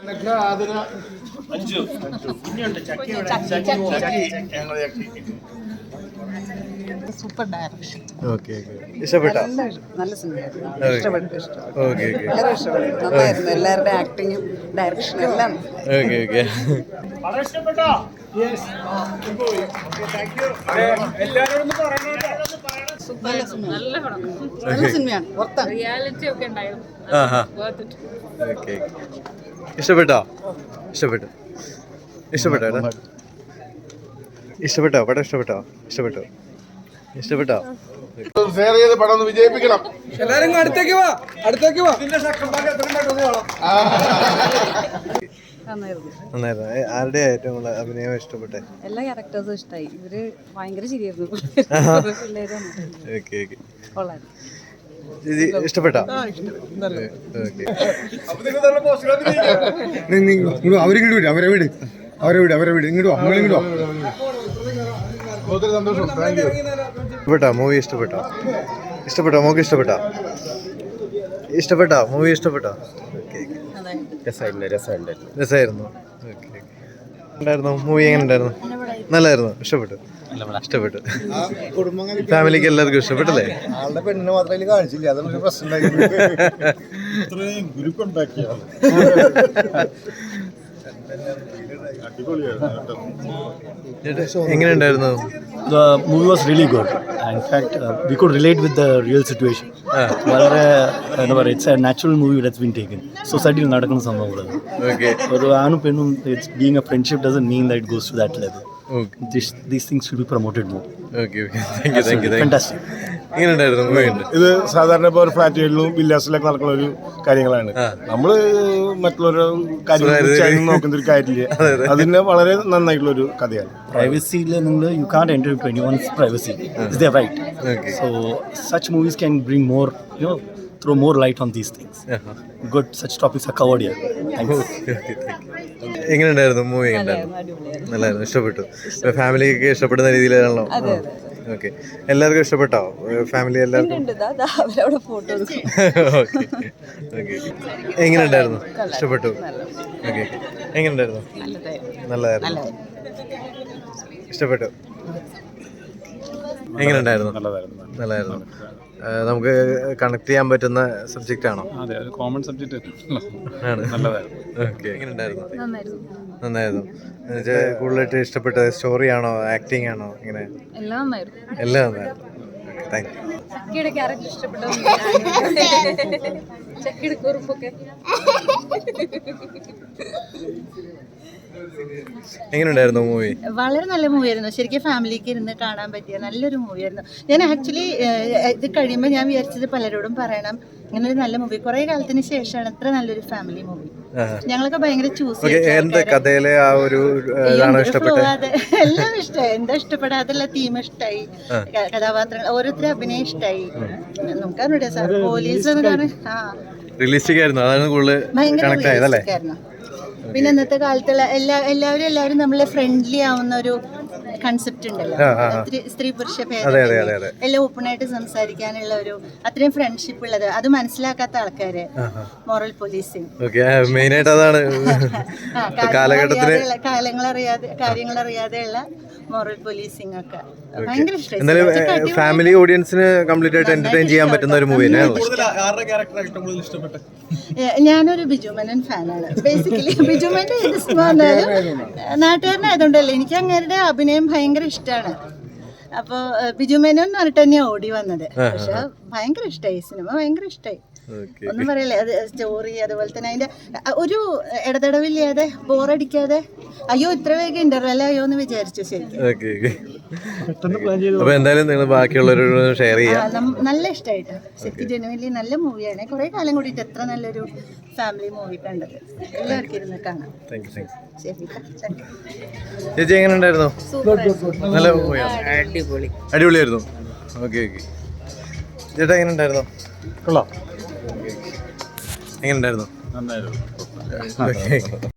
Super direction. ഇഷ്ടപ്പെട്ടോ? നല്ല സിനിമയായിരുന്നു. ഇഷ്ടപ്പെട്ടു. വളരെ ഇഷ്ടപ്പെട്ടു. നന്നായിരുന്നു. എല്ലാവരുടെ ആക്ടിങ്ങും ഡയറക്ഷനും എല്ലാം. നല്ല സിനിമയാണ്. റിയാലിറ്റി ഒക്കെ ഉണ്ടായിരുന്നു. ഇഷ്ടപ്പെട്ടോ? ഇഷ്ടപ്പെട്ടോ? പടം ഇഷ്ടപ്പെട്ടോ? ഷെയർ ചെയ്ത് പടം ഒന്ന് വിജയിപ്പിക്കണം. എല്ലാരും അടുത്തേക്ക് വാ. നന്നായിരുന്നു. ആരുടെ ഏറ്റവും കൂടുതൽ അഭിനയം ഇഷ്ടപ്പെട്ടെ? എല്ലാ ക്യാരക്ടേഴ്സും ഇഷ്ടമായി. ഇവര് ഭയങ്കര ശരിയായിരുന്നു. ഇഷ്ടപ്പെട്ടോ? അവരെ വീട് ഇങ്ങോട്ടോ. ഒത്തിരി സന്തോഷം. Thank you. മൂവി ഇഷ്ടപ്പെട്ടോ? മോക്ക് ഇഷ്ടപ്പെട്ടോ? മൂവി ഇഷ്ടപ്പെട്ടോ? രസമായിരുന്നു. മൂവി എങ്ങനെ ഉണ്ടായിരുന്നു? നല്ലായിരുന്നു. ഇഷ്ടപ്പെട്ടു. ഫാമിലിക്ക് എല്ലാവർക്കും ഇഷ്ടപ്പെട്ടല്ലേ? ആളുടെ പെണ്ണിനെ മാത്രമേ കാണിച്ചില്ല. അതൊരു പ്രശ്നം. എങ്ങനെയുണ്ടായിരുന്നു? The movie was really good. In fact, we could relate with the real situation. It's a natural movie that's been taken. Society will not സംഭവം. ഒരു ആണും പെണ്ണും being a friendship doesn't mean that it goes to that level. These things should be promoted more. Thank you. Fantastic. ഇത് സാധാരണ ഇപ്പോൾ ഒരു ഫ്ലാറ്റുകളിലും വില്ലാസിലൊക്കെ നടക്കുന്ന ഒരു കാര്യങ്ങളാണ്. നമ്മള് മറ്റുള്ളവരുടെ കാര്യം നോക്കുന്ന ഒരു കാര്യമില്ല. അതിന് വളരെ നന്നായിട്ടുള്ള ഒരു കഥയാണ്. പ്രൈവസിയിൽ നിങ്ങൾ you can't enter into anyone's privacy. It's their right. So such movies can bring more, throw more light on these things. Good, such topics are covered here. Thanks. എങ്ങനെയുണ്ടായിരുന്നു? മൂവി നല്ലായിരുന്നു. ഇഷ്ടപ്പെട്ടു. ഫാമിലിക്ക് ഇഷ്ടപ്പെടുന്ന രീതിയിലാണല്ലോ? ഓക്കെ. എല്ലാവർക്കും ഇഷ്ടപ്പെട്ടോ? ഫാമിലി എല്ലാവർക്കും? എങ്ങനെയുണ്ടായിരുന്നു? ഇഷ്ടപ്പെട്ടു. ഓക്കെ. എങ്ങനെയുണ്ടായിരുന്നു? നല്ലതായിരുന്നു. ഇഷ്ടപ്പെട്ടു. എങ്ങനെയുണ്ടായിരുന്നു? നല്ലതായിരുന്നു. നമുക്ക് കണക്ട് ചെയ്യാൻ പറ്റുന്ന സബ്ജക്റ്റ് ആണോ? അതെ, ഒരു കോമൺ സബ്ജക്റ്റ് ആണ്. ഓക്കെ. എങ്ങനെയുണ്ടായിരുന്നു? നന്നായിരുന്നു. കൂടുതലായിട്ട് ഇഷ്ടപ്പെട്ട സ്റ്റോറി ആണോ, ആക്ടിങ് ആണോ? ഇങ്ങനെ എല്ലാം നന്നായിരുന്നു. Thank you. എങ്ങനെയുണ്ടായിരുന്നു മൂവി? വളരെ നല്ല മൂവിയായിരുന്നു. ശരിക്കും ഫാമിലിക്ക് ഇരുന്ന് കാണാൻ പറ്റിയ നല്ലൊരു മൂവിയായിരുന്നു. ഞാൻ ആക്ച്വലി ഇത് കഴിയുമ്പോൾ ഞാൻ വിചാരിച്ചത് പലരോടും പറയണം, ഇങ്ങനെ ഒരു നല്ല മൂവി കുറേ കാലത്തിന് ശേഷമാണ് ഇത്ര നല്ലൊരു ഫാമിലി മൂവി. ഞങ്ങളൊക്കെ ഭയങ്കര ചൂസ് എല്ലാം ഇഷ്ടമായി. എന്താ ഇഷ്ടപ്പെടാതുള്ള തീം ഇഷ്ടമായി, കഥാപാത്രങ്ങൾ ഓരോരുത്തരും അഭിനയം ഇഷ്ടമായി. നമുക്കറിഞ്ഞൂടെ സാർ പോലീസ് ഭയങ്കര. പിന്നെ ഇന്നത്തെ കാലത്തുള്ള എല്ലാവരും നമ്മളെ ഫ്രണ്ട്ലി ആവുന്ന ഒരു കൺസെപ്റ്റ് ഉണ്ടല്ലോ, സ്ത്രീ പുരുഷ ഭേദം എല്ലാം ഓപ്പണായിട്ട് സംസാരിക്കാനുള്ള ഒരു അത്രയും ഫ്രണ്ട്ഷിപ്പ് ഉള്ളത്, അത് മനസ്സിലാക്കാത്ത ആൾക്കാര് മോറൽ പോലീസിങ് കാര്യങ്ങളറിയാതെയുള്ള മോറൽ പോലീസിംഗ് ഒക്കെ ഭയങ്കര ഇഷ്ടമായി. ഫാമിലി ഓഡിയൻസിന് കംപ്ലീറ്റ് ആയിട്ട് എന്റർടൈൻ ചെയ്യാൻ പറ്റുന്ന ഒരു മൂവി. ഞാനൊരു ബിജു മേനോൻ ഫാനാണ്. ബേസിക്കലി ബിജു മേനോൻ ഏത് സിനിമ വന്നാലും നാട്ടുകാരനായതുകൊണ്ടല്ലേ, എനിക്ക് അങ്ങേരുടെ അഭിനയം ഭയങ്കര ഇഷ്ടമാണ്. അപ്പോൾ ബിജു മേനോൻ എന്ന് പറഞ്ഞിട്ട് തന്നെയാണ് ഓടി വന്നത്. പക്ഷെ ഭയങ്കര ഇഷ്ടമായി സിനിമ, ഭയങ്കര ഇഷ്ടമായി. ഒന്നും പറയല്ലേ, അത് സ്റ്റോറി അതുപോലെ തന്നെ അതിന്റെ ഒരു ഇടതടവില്ലാതെ ബോറടിക്കാതെ അയ്യോ ഇത്ര വേഗം ഇന്റർവെൽ ആയോ എന്ന് വിചാരിച്ചു. ശരിക്കും നല്ല ഇഷ്ടമായിട്ട് ശരിക്കും ജനുവലി നല്ല മൂവിയാണ്. കുറെ കാലം കൂടിയിട്ട് എത്ര നല്ലൊരു ഫാമിലി മൂവി കണ്ടത്. എല്ലാവർക്കും ഇരുന്ന് കാണാം. ചേച്ചി എങ്ങനെ ഉണ്ടായിരുന്നു? നല്ല മൂവിയാണ്, അടിപൊളിയായിരുന്നു. ഓക്കെ. ചേട്ടാ എങ്ങനെ ഉണ്ടായിരുന്നു? കൊള്ളാം. എങ്ങനെ ഉണ്ടായിരുന്നു? നന്നായിരുന്നു.